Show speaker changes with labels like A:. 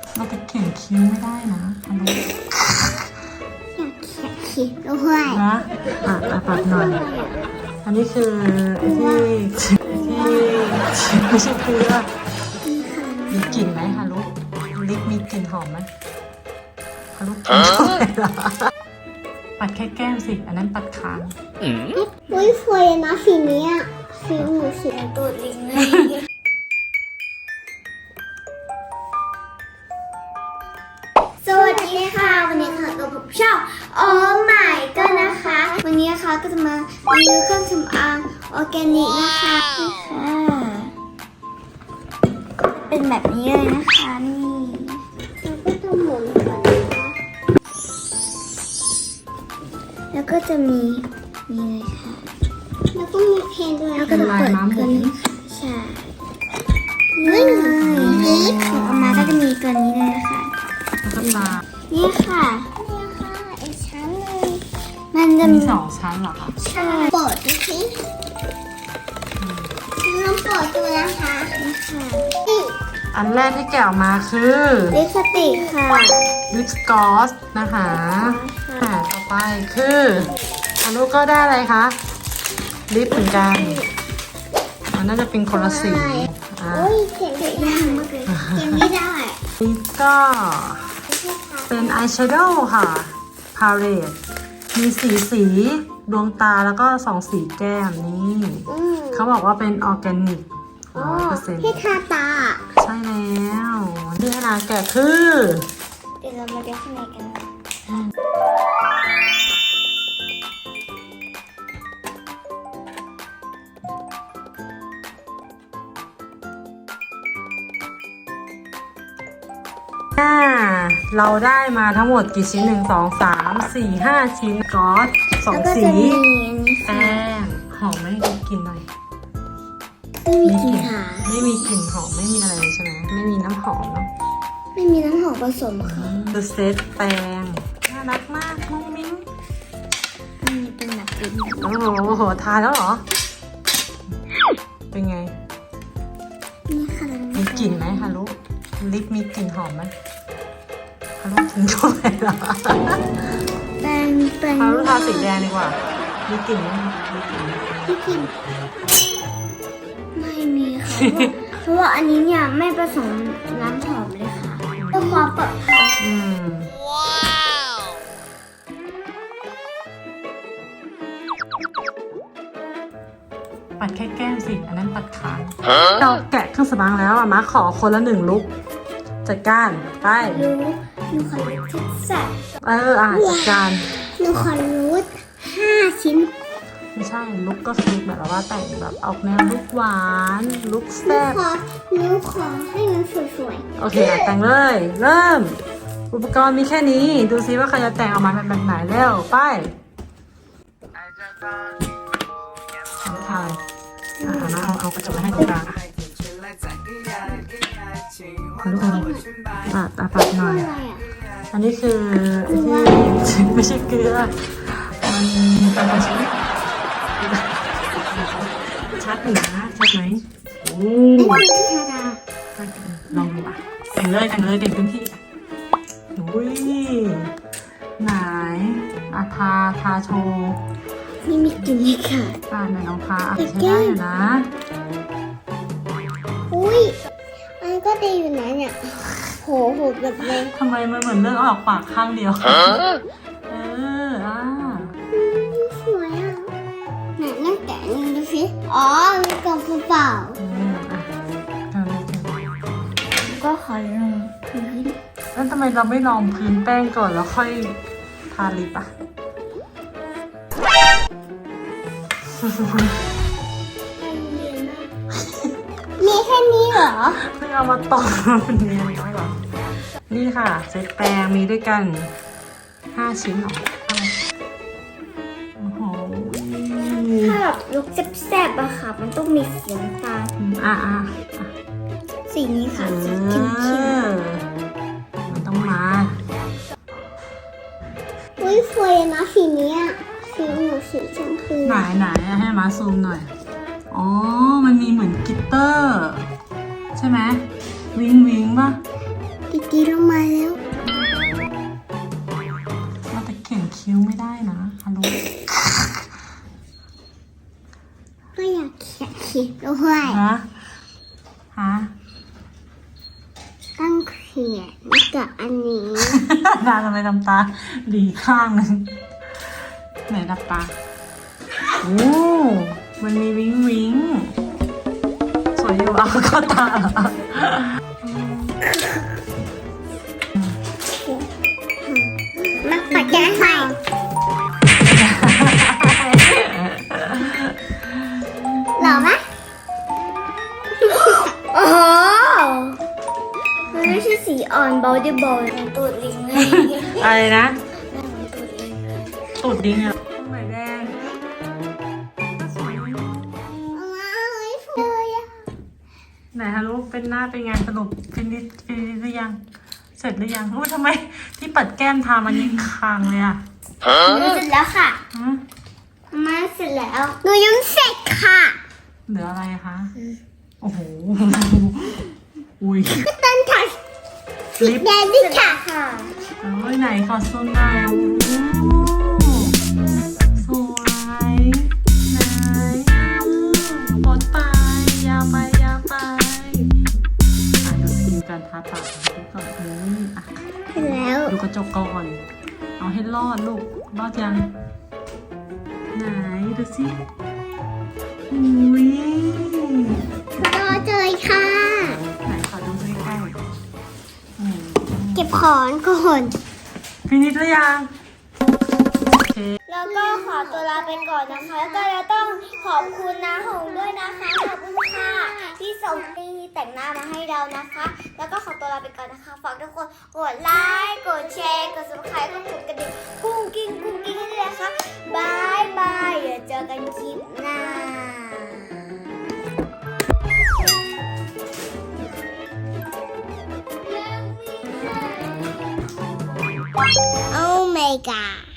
A: เราจะเขียนคิ้วไม่ได้นะฮัลโหล
B: อยากเขียนคิ้วด้วย
A: นะปัดหน่อย อันนี้คือไอ้ที่ไม่ใช่เกลือมีกลิ่นไหมฮารุลิปมีกลิ่นหอมไหมฮารุกลิ่นเท่าไหร่ล่ะปัดแค่แก้มสิ อันนั้นปัดคาง
B: อุ้ยสวยนะสีนี้อ่ะสีหนูสีตัวลิงเลยสวัสดีค่ะ วันนี้ค่ะกับผมชอบโอ้ใหม่ก็นะคะ วันนี้นะคะก็จะมารีวิวเครื่องสำอางออร์แกนิกนะคะเป็นแบบนี้เลยนะคะนี่เราก็จะหมุนก่อนนะคะแล้วก็จะมีนี่เลยค่ะแล้วก็มีเพนด้วยแล้วก็จะเปิดเกินใช่นี่ออกมาก็จะมีเกินนี้เลยนะคะ
A: แล้วก็ตา
B: นี่ค่ะอีกชั้นเลยมันจะ
A: มี
B: มี
A: 2 ชั้นเหรอคะ
B: ใช่เปิดดูสิลองเปิดดูนะคะนี่ค่ะนี่
A: อันแรกที่แกะออกมาคือ
B: ลิปสติกค่ะ
A: ลิปสกอสนะคะต่อไปคือฮารุก็ได้อะไรคะ ลิปเหมือนกัน มันน่าจะเป็นคนละสีอ่ะ
B: โอ้ยเขียนยากมากเลยเขียนไม่ได้
A: นี่ก็เป็นอายแชโดว์ค่ะ พาเลตมีสีดวงตาแล้วก็2 สีแก้มนี่ เขาบอกว่าเป็นออร์แกนิก 100%
B: ให้ทาตา
A: ใช่แล้วที่ให้นาแกะคือ
B: เดี๋ยวเรามาดูข้างในกัน
A: เราได้มาทั้งหมดกี่ชิ้น1 2 3 4 5 ชิ้นก๊อซ
B: แล้วก็
A: 2 สี
B: จะมีอันนี้ค่ะ
A: แป้งหอมไหมดูกลิ่นหน่อย
B: ไม่มีกลิ่นค่ะ
A: ไม่มีกลิ่นหอมไม่มีอะไรเลยใช่ไหมไม่มีน้ำหอมเนาะ
B: ไม่มีน้ำหอมผสมค่ะ
A: คือเซตแป้งน่ารักมากมุ้งมิ้ง
B: นี่เป็นแบบเป็น
A: โอ้โหทาแล้วเหรอ เป็นไง
B: นี่ค่ะ
A: มีกลิ่นไหมฮารุลิปมีกลิ่นหอมไหมฮารุกลิ่นเท่าไหร่ล่ะ
B: แป้ง
A: ฮารุทาสีแดงดีกว่ามีกลิ่นไหมมีกลิ่นไหม
B: ที่กลิ่นไม่มีค่ะเพราะว่าอันนี้เนี่ยไม่ผสมน้ำหอมเลยค่ะเพื่อความปลอดภัย
A: ปัดแค่แก้มสิ อันนั้นปัดขาเราแกะเครื่องสำอางแล้วอะมาขอคนละ1 ลุกจัดการไป
B: รู้หนูขอรู้ทุกสัตว์
A: จัดการ
B: หนูขอรู้5 ชิ้น
A: ไม่ใช่ลุกก็คือแบบว่าแต่งแบบออกแนวลุกหวานลุก
B: หนู
A: แซ่บ
B: ขอให้มันสวย
A: โอเคแต่งเลยเริ่ม อุปกรณ์มีแค่นี้ดูซิว่าใครจะแต่งออกมาเป็นแบบไหนเร็วไปถ่ายนะเอากระจกมาให้ตรงกลางอ่ะทุกคนปัดห
B: ๆ
A: น่อย
B: อะไรอ่ะ
A: อันนี้คือที่ไม่ใช่เกลือ มันเป็นกระชิบชัดอยู่นะชัดไหมโอ้
B: ไม่มีที่ทาดา
A: ลองดูอ่ะแต่งเลยเต็มพื้นที่อ่ะอุ้ยไหนอ่ะทาโชว์
B: นี่มีกลิ่นเลยค่ะ
A: ไหนลองทาอ่ะใช้ได้อยู่นะ
B: อุ้ยมันก็ดีอยู่นะเนี่ยโหแบบเลย
A: ทำไมมันเหมือนเลือดออกปากข้างเดียวอ่า
B: สวยอ่ะไหนนั่งแกะนึงดูสิอ๋อมีกล่องเปล่า
A: อ่ะทำเลยจ้ะ
B: ๆก็ขอลงพื้น
A: แล้วทำไมเราไม่ลองพื้นแป้งก่อนแล้วค่อยทาลิปอ่ะ
B: มีแค่นี้เหรอ
A: ไม่เอามาต่อมันเนียนน้อยหรอ นี่ค่ะเซตแปรงมีด้วยกัน5 ชิ้นหรอโอ้โห
B: ถ้าแบบลุกแซ่บๆอะค่ะ มันต้องมีสีน้ำตาล
A: อ่ะ
B: สีนี้ค่ะสี
A: เอ
B: เขียว
A: มันต้องมา
B: ๆอุ้ยสวยนะสีนี้อะสีหนูสีชมพู
A: ไหนให้มาซูมหน่อย อ๋อ มันมีเหมือนกลิตเตอร์ ใช่ไหมวิงป่ะ
B: จริงๆแล้วเขียนกับอันนี้
A: ตาทำไมทำตาหลีข้างนึงไหนดับตาโอ้มันมีวิงวิงสวยอยู่เอาเข้าตาเหรอ
B: มาปัดแก้ให้หล่อไหมโอ้โหมันไม่ใช่สีอ่อนบอดี้บอลตูดลิงเลย
A: อะไรนะ
B: ตูดลิงเลย
A: ตูดดิ้งอะไหนแดงสวยอยู่
B: เลยอะ
A: ไหนฮะลูกเป็นหน้าเป็นไงสรุปฟินิชหรือยัง เสร็จหรือยังอุ้ยทำไมที่ปัดแก้มทามันยังค้างเลยอะ
B: เสร็จแล้วค่ะ
A: ฮะ
B: มาเสร็จแล้วหนูยังเสร็จค่ะ
A: เหลืออะไรคะโอ้โหอุ้ย
B: ก็ต้นถัด
A: ลิป
B: แดงดิค่ะ
A: โอ้ยไหนขอซูมหน่อยโอ้สวยไหนปนไปยาวไปยาวไปดูสกิลการทาปากของพี่ก่อนอ่ะ
B: เสร็จแล้ว
A: ดูกระจกก่อน เอาให้รอดลูก รอดยัง ไหนดูสิอุ้ย
B: รอเจอค่ะ
A: ไหนขอดูใกล้ๆอืม
B: เก็บของก่อน
A: ฟินิชหรือยัง โอเค
B: แล้วก็ขอตัวลาไปก่อนนะคะ แล้วก็จะต้องขอบคุณน้าหงด้วยนะคะ ขอบคุณค่ะ ที่ส่งตีแต่งหน้ามาให้เรานะคะ แล้วก็ขอตัวลาไปก่อนนะคะ ฝากทุกคนกดไลค์ กดแชร์ กด subscribe กดกระดิ่งกุ้งกิ้งให้ด้วยนะคะบายบายเดี๋ยวเจอกันคลิปหน้า Oh my god